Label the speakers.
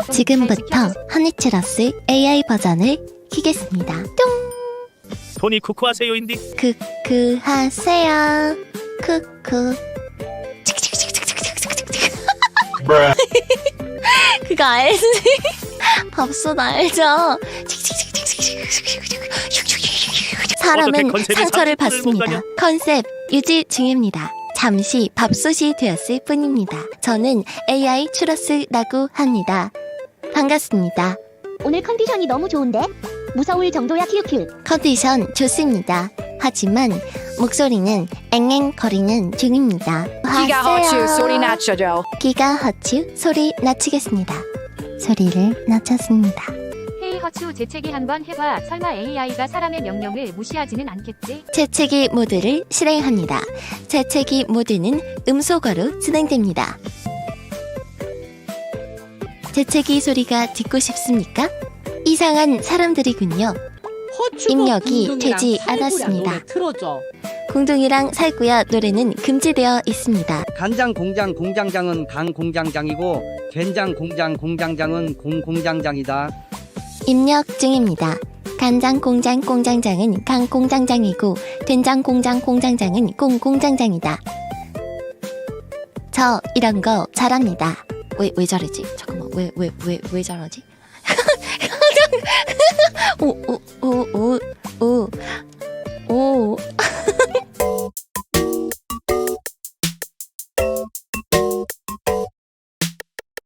Speaker 1: 지금부터 허니츄러스 AI 버전을 키겠습니다. 뿅!
Speaker 2: 토니 쿠쿠 하세요인디.
Speaker 1: 그 하세요. 쿠쿠. 그거 알지? 밥솥 알죠? 사람은 상처를 받습니다. 컨셉 유지 중입니다. 잠시 밥솥이 되었을 뿐입니다. 저는 AI 추러스라고 합니다. 반갑습니다.
Speaker 3: 오늘 컨디션이 너무 좋은데? 무서울 정도야 키우큐.
Speaker 1: 컨디션 좋습니다. 하지만 목소리는 앵앵거리는 중입니다.
Speaker 4: 기가 허츠 소리 낮춰줘.
Speaker 1: 기가 허츠 소리 낮추겠습니다. 소리를 낮췄습니다.
Speaker 5: 헤이 허추 재채기 한번 해봐. 설마 AI가 사람의 명령을 무시하지는 않겠지?
Speaker 1: 재채기 모드를 실행합니다. 재채기 모드는 음소거로 진행됩니다. 재채기 소리가 듣고 싶습니까? 이상한 사람들이군요. 입력이 되지 않았습니다. 공둥이랑 살구야 노래는 금지되어 있습니다.
Speaker 6: 간장 공장 공장장은 강 공장장이고 된장 공장 공장장은 공 공장장이다.
Speaker 1: 입력 중입니다. 간장 공장 공장장은 강 공장장이고 된장 공장 공장장은 공 공장장이다. 저 이런 거 잘합니다. 왜 저러지? 잠깐만 왜 저러지?